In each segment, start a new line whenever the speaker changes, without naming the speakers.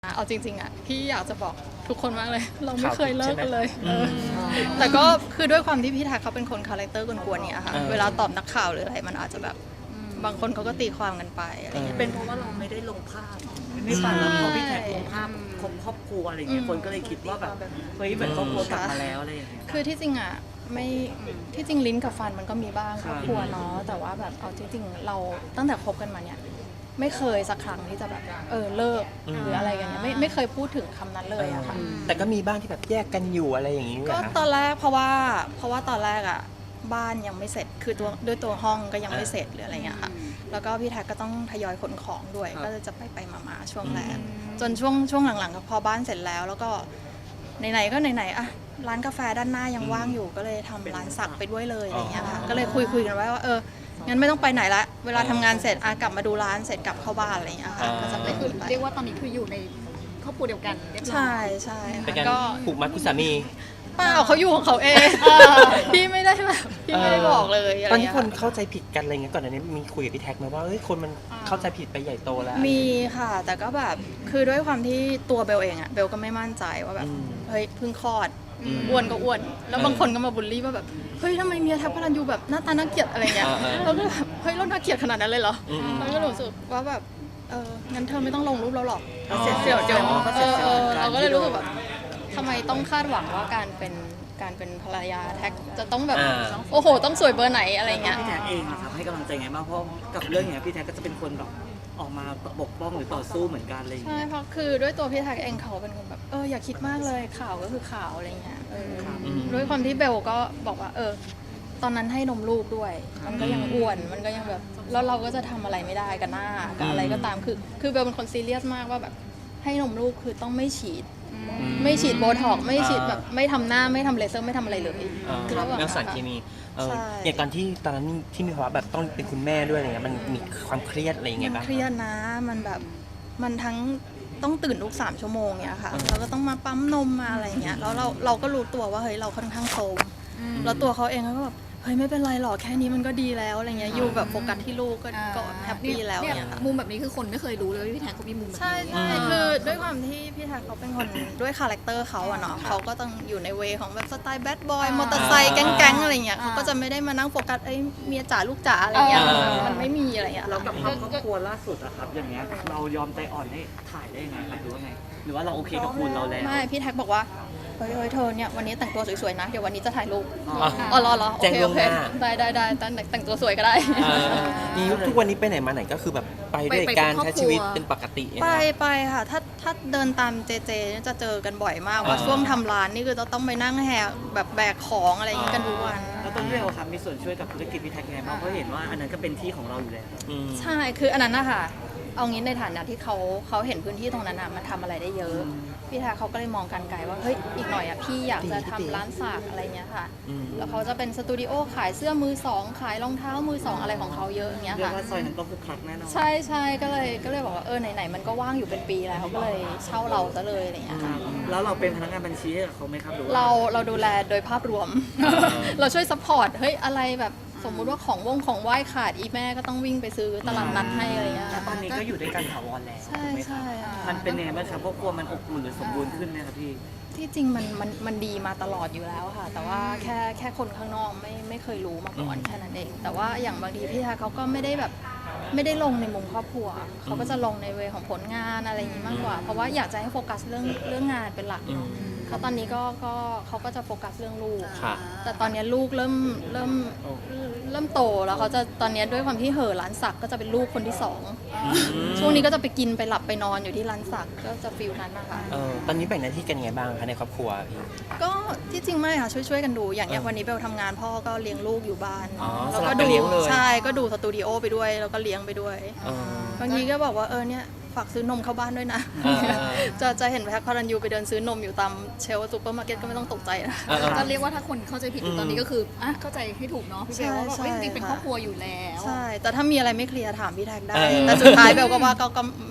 เอาจริงๆอ่ะพี่อยากจะบอกทุกคนมากเลยเราไม่เคยเลิกกันเลย
อืม
แต่ก็คือด้วยความที่พี่ทักเขาเป็นคนคาแรคเตอร์กวนๆเนี่ยค่ะเวลาตอบนักข่าวหรืออะไรมันอาจจะแบบบางคนเขาก็ตีความกันไปอะไรเงี้ย
เป็นเพราะว่าเราไม่ได้ลงภาพไม่ฝันแล้วพอพี่แท็กลงภาพครอบครัวอะไรเงี้ยคนก็เลยคิดว่าแบบเฮ้ยเหมือนครอบครัวกลับมาแล้วอะไรอย่างเงี้ย
คือที่จริงอ่ะไม่ที่จริงลิ้นกับฟันมันก็มีบ้างครอบครัวเนาะแต่ว่าแบบเอาที่จริงเราตั้งแต่คบกันมาเนี่ยไม่เคยสักครั้งที่จะแบบเลิกหรืออะไรกันเนี่ยไม่เคยพูดถึงคำนั้นเลยอะค่ะ
แต่ก็มีบ้างที่แบบแยกกันอยู่อะไรอย่างนี้
ก็
เหรอคะ
ตอนแรกเพราะว่าตอนแรกอ่ะบ้านยังไม่เสร็จคือด้วยตัวห้องก็ยังไม่เสร็จหรืออะไรเงี้ยค่ะแล้วก็พี่แท็กก็ต้องทยอยขนของด้วยก็จะไปมาช่วงแรกจนช่วงหลังๆก็พอบ้านเสร็จแล้วแล้วก็ไหนๆก็ไหนๆอ่ะร้านกาแฟด้านหน้ายังว่างอยู่ก็เลยทำร้านสักไปด้วยเลยอะไรเงี้ยค่ะก็เลยคุยกันไว้ว่างั้นไม่ต้องไปไหนละเวลาทำงานเสร็จกลับมาดูร้านเสร็จกลับเข้าบ้านอะไรเงี้ยค่ะก็จะเป็น
คือเรียกว่าตอนนี้คืออยู่ในครอบครัวเดียวกันเรียบร้อย
ใช่ค่ะ
เป็นการ
ก็
ผูกมัดคุณสามี
เปล่าเขาอยู่ของเขาเอง พี่ไม่ได้แบบพี่ไม่ได้บอกเลยอะไร
ตอนที่
เงี้ย
คนเข้าใจผิดกันอะไรเงี้ยก่อนหน้านี้มีคุยกับพี่แท็กไหมว่าเอ้ยคนมันเข้าใจผิดไปใหญ่โตแล้ว
มีค่ะ แต่ก็แบบคือด้วยความที่ตัวเบลเองอะเบลก็ไม่มั่นใจว่าแบบเฮ้ยเพิ่งคลอดอ้วนก็อ้วน แล้วบางคนก็มาบูลลี่ว่าแบบเฮ้ยทำไมเมียแท็กพลันยูแบบหน้าตาน่าเกลียดอะไรเงี้ยเราก็แบบเฮ้ยเราน่าเกลียดขนาดนั้นเลยเหรอเราก็รู้สึกว่าแบบงั้นเธอไม่ต้องลงรูปเราหรอกเดี๋ยวเราก็เลยรู้สึกแบบทำไมต้องคาดหวังว่าการเป็นภรรยาแท็กจะต้องแบบโอ้โหต้องสวยเบอร์ไหนอะไรเงี้ย
พี่แท็กเองนะครับให้กำลังใจไงบ้างเพราะกับเรื่องอย่างเงี้ยพี่แท็กก็จะเป็นคนแบบออกมาปกป้องหรือต่อสู้เหมือนกันอะไรอย่าง
ใช่
เงี้ย
เพราะคือด้วยตัวพี่แท็กเองเขาเป็นคนแบบอย่าคิดมากเลยข่าวก็คือข่าวอะไรเงี้ยด้วยความที่เบลก็บอกว่าตอนนั้นให้นมลูกด้วย มันก็ยังอ้วนมันก็ยังแบบแล้วเราก็จะทำอะไรไม่ได้กับหน้ากับอะไรก็ตามคือเบลเป็นคนซีเรียสมากว่าแบบให้นมลูกคือต้องไม่ฉีดโบท็อกซ์ไม่ฉีดแบบไม่ทำหน้าไม่ทำเลเซอร์ไม่ทำอะไรเลย
คือ
ระหว่าง
เรื่องสารเคมี
ใช่
อย่างตอนที่ตอนนั้นที่มีภาวะแบบต้องเป็นคุณแม่ด้วยอะไรเงี้ยมันมีความเครียดอะไรอย่าง
มั
เงี้ย
น
บ้าง
เครียดนะมันแบบมันทั้งต้องตื่นทุก3 ชั่วโมงเนี่ยค่ะแล้วก็ต้องมาปั๊มนมมาอะไรเงี้ยแล้วเราก็รู้ตัวว่าเฮ้ยเราค่อนข้างโซมแล้วตัวเขาเองก็แบบเฮ้ยไม่เป็นไรหรอกแค่นี้มันก็ดีแล้วอะไรเงี้ยอยู่แบบโฟกัสที่ลูกก็แฮปปี้แล้ว
เนี่ย
เนี่ยค่ะ
มุมแบบนี้คือคนไม่เคยรู้เลยว่าพี่แท็กเขามีมุมแบบ
ใช่
นี้
ใช่คือด้วยความที่พี่ทักเขาเป็นคนด้วยคาแรคเตอร์เขาอะเนาะเขาก็ต้องอยู่ในเวของแบบสไตล์แบดบอยมอเตอร์ไซค์แก๊งๆอะไรเงี้ยเขาก็จะไม่ได้มานั่งโฟกัสเมียจ๋าลูกจ๋าอะไรเงี้ยมันไม่มีอะไรเงี้ย
แล้วกับครอบครัวล่าสุดอะครับอย่างเงี้ยเรายอมใจอ่อนให้ถ่ายได้ยังไงครับหรือว่าไงหรือว่าเราโอเคกับคุณเราแล้ว
ไม่พี่แท็กบอกว่าเฮ้ยเธอเนี่ยวันนี้แต่งตัวสวยๆนะเดี๋ยววันนี้จะถ่ายรูป
อ๋อ
รอโอ
แจ้ง
เค
ล่
โอ
วง
เค
หน้า
ได้แต่งตัวสวยก็ได้
นี่ทุกวันนี้ไปไหนมาไหนก็คือแบบไปด้วยการใช้ชีวิตเป็นปกติ
ไปค่ะถ้าเดินตามเจเนี่ยจะเจอกันบ่อยมากว่าช่วงทำร้านนี่คือจะต้องไปนั่งแหกแบบแบกของอะไรอย่างงี้กันทุกวัน
แล้วต้นเรื่องครับมีส่วนช่วยกับธุรกิจพี่แท็กยังไงบ้างเพราะเห็นว่าอันนั้นก็เป็นที่ของเราอยู่แล้ว
ใช่คืออันนั้นนะคะเอางี้ในฐานะที่เขาเห็นพื้นที่ตรงนั้นอะมันทำอะไรได้เยอะพี่แท็กเขาก็เลยมองการไกลว่าเฮ้ยอีกหน่อยอะพี่อยากจะทำร้านสักอะไรเงี้ยค่ะแล้วเขาจะเป็นสตูดิโอขายเสื้อมือสองขายรองเท้ามือสองอะไรของเขาเยอะอย่างเงี้ย
เรียก
ค่ะ
ว่าซอยนั้นก็คือคลักแน่นอน
ใช่ก็เลยบอกว่าไหนมันก็ว่างอยู่เป็นปีแล้วเขาก็เลยเช่าเราซะเลยอะไรเงี้ยค่ะ
แล้วเราเป็นพนักงานบัญชีให้กับเขาไหมครับหรือว่า
เราดูแลโดยภาพรวม เราช่วยซัพพอร์ตเฮ้ยอะไรแบบสมมุติว่าของไหว้ขาดอีแม่ก็ต้องวิ่งไปซื้อตลาดนัดให้อะไรเงี้ย
แล้วตอนนี้ก็อยู่ด้วยกันถาวรแล้ว
ใช่
ถูกไหมครับ
ค่ะ
มันเป็นยังไงบ้างครับครอบครัวมันอบอุ่นหรือสมบูรณ์ขึ้นไหมครับพี่
ที่จริงมันดีมาตลอดอยู่แล้วค่ะ แต่ว่าแค่คนข้างนอกไม่เคยรู้มาก่อนแค่นั้นเอง แต่ว่าอย่างบางทีพี่ทาเขาก็ไม่ได้ลงในมุมครอบครัวเขาก็จะลงในเวของผลงานอะไรอย่างนี้มากกว่า เพราะว่าอยากจะให้โฟกัสเรื่องงานเป็นหลักเนาะเพราะตอนนี้ก็เขาก็จะโฟกัสเรื่องลูก
ค่ะ
แต่ตอนนี้ลูกเริ่มโตแล้วเขาจะตอนนี้ด้วยความที่เห่อร้านสักก็จะเป็นลูกคนที่สองช่วงนี้ก็จะไปกินไปหลับไปนอนอยู่ที่ร้านสักก็จะฟิลนั้นนะคะ
ตอนนี้แบ่งหน้าที่กันยังไงบ้างคะในครอบครัวพี่
ก็ที่จริงไม่ค่ะช่วยกันดูอย่างเนี้ยวันนี้เบลทำงานพ่อก็เลี้ยงลูกอยู่บ้าน
อ๋อ
แล้วก็
สลับกันเลี้ยงเลย
ใช่ก็ดูสตูดิโอไปด้วยแล้วก็เลี้ยงไปด้วย
เออบ
างทีก็บอกว่าเนี่ยฝากซื้อนมเข้าบ้านด้วยนะ จะเห็นแพ็คพารันยูไปเดินซื้อนมอยู่ตามเชลฟ์ซูเปอร์มาร์เก็ตก็ไม่ต้องตกใจนะ
ก็เรียกว่าถ้าคนเข้าใจผิดอยู่ตอนนี้ก็คือเข้าใจให้ถูกเนาะพี่เบลว่าแบบจริงๆเป็นครอบครัวอยู่แล้ว
ใช่แต่ถ้ามีอะไรไม่เคลียร์ถามพี่แท็กได้แต่สุดท้ายเบลก็ว่าก็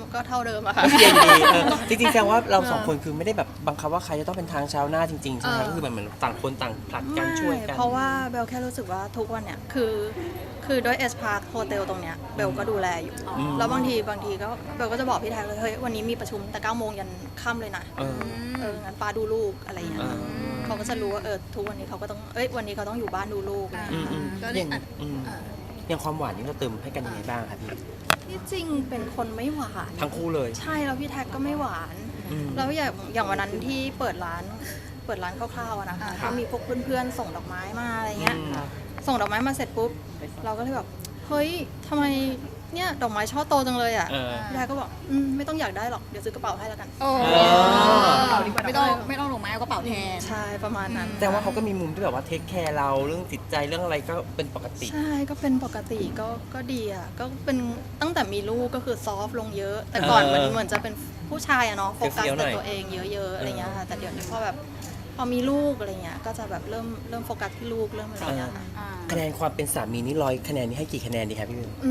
ก็เท่าเดิมอะค่ะ
เปลี่ยนดีจริงๆแสดงว่าเราสองคนคือไม่ได้แบบบังคับว่าใครจะต้องเป็นทางชาวหน้าจริงๆใช่ไหมคะก็คือเหมือนต่างคนต่างผลัดกันช่วยกัน
เพราะว่าเบลแค่รู้สึกว่าทุกวันเนี่ยคือด้วยเอสพาร์คโฮเทลตรงเนี้ยเบลก็ดูแลอยู่ แล้วบางทีก็เบลก็จะบอกพี่แท็กเลยเฮ้ยวันนี้มีประชุมแต่9 โมงยันค่ำเลยนะ งั้นป้าดูลูกอะไรอย่างเงี้ยเขาก็จะรู้ว่าทุกวันนี้เขาก็ต้องวันนี้เขาต้องอยู่บ้านดูลูกอะไรอย่างเงี้ย
ก็
อ
ได้
ย่าง
อัด
อย่างความหวานนี่เราเติมให้กันยังไงบ้างคะพี่
ที่จริงเป็นคนไม่หวาน
ทั้งคู่เลย
ใช่แล้วพี่แท็กก็ไม่หวาน แล้วอย่างวันนั้นที่เปิดร้านคร่าวๆอะนะคะก็มีพวกเพื่อนๆส่งดอกไม้มาอะไรเงี้ย ส่งดอกไม้มาเสร็จปุ๊บเราก็เลยแบบเฮ้ยทำไมเนี่ยดอกไม้ช่อโตจังเลยอ่ะพี่แท็กก็บอกไม่ต้องอยากได้หรอกเดี๋ยวซื้อกระเป๋าให้แล้วกัน
โอ้ไม่ต้องลงไม้เอากระเป๋าแทน
ใช่ประมาณนั้น
แต่ว่าเขาก็มีมุมที่แบบว่าเทคแคร์เราเรื่องจิตใจเรื่องอะไรก็เป็นปกติ
ใช่ก็เป็นปกติก็ดีอ่ะก็เป็นตั้งแต่มีลูกก็คือซอฟต์ลงเยอะ แต่ก่อนเหมือนจะเป็นผู้ชายอะเนาะโฟกัสแต่ตัวเองเยอะๆอะไรเงี้ยค่ะแต่เดี๋ยวนี้พอมีลูกอะไรเงี้ยก็จะแบบเริ่มโฟกัสที่ลูกเริ่มอะไรเงี้ยค่ะ
คะแนนความเป็นสามีนี่100 คะแนนนี่ให้กี่คะแนนดีครับพี่เบล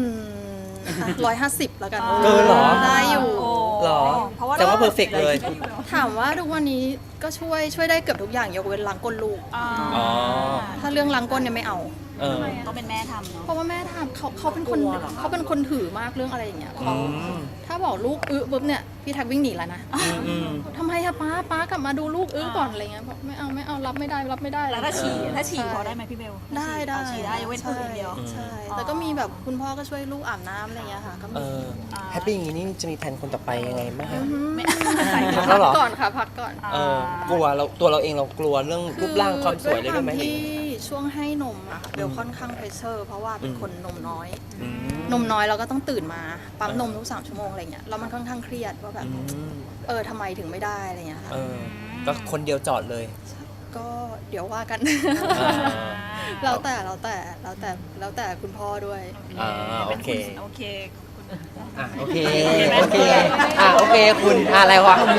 150แล้วกัน
เกินเหรอ
ได้อยู่
หรอแต่ว่าเพอร์เฟกเลย
ถามว่าทุกวันนี้ก็ช่วยได้เกือบทุกอย่างยกเว้นล้างก้นลูก
อ๋อ
ถ้าเรื่องล้างก้นเนี่ยไม่เอา
ต้องเป็นแม่ทำเนาะ
เพราะว่าแม่ทำเขาเป็นคนถือมากเรื่องอะไรอย่างเงี้ยเขา
อืม
ถ้าบอกลูกปุ๊บเนี่ยพี่แท็กวิ่งหนีแล้วนะ ทำไมอะป้ากลับมาดูลูกก่อนอะไรเงี้ยบอกไม่เอารับไม่ได้
แล้วถ้าฉี่พอได้ไหมพี่เบล
ได้
ฉี่ได้ยกเว้นพูดอย่างเดียว
ใช่แต่ก็มีแบบคุณพ่อก็ช่วยลูกอาบน้ำอะไรเงี้ยค่ะก็มี
แฮปปี้อย่างนี้นี่จะมีแผนคนต่อไปยังไงบ้างคะ
พัก
แล้วเหรอ
ก่อนค่ะพักก่อน
กลัวตัวเราเองเรากลัวเรื่องรูปร่างความสวยเลยด้วยไหม
ที่ช่วงให้นมอะเบลค่อนข้างเพรสเชอร์เพราะว่าเป็นคนนมน้อย
อืม
นมน้อยเราก็ต้องตื่นมาปั๊มนมทุก3 ชั่วโมงอะไรเงี้ยแล้วมันค่อนข้างเครียดว่าแบบ ทำไมถึงไม่ได้อะไรเงี้ยค่ะ
ก็คนเดียวจอดเลย
ก็เดี๋ยวว่ากัน
อ่า
แล้วแต่คุณพ่อด้วย
โอเค
โอเค
โอเค โอเค โอเค คุณอะไรวะ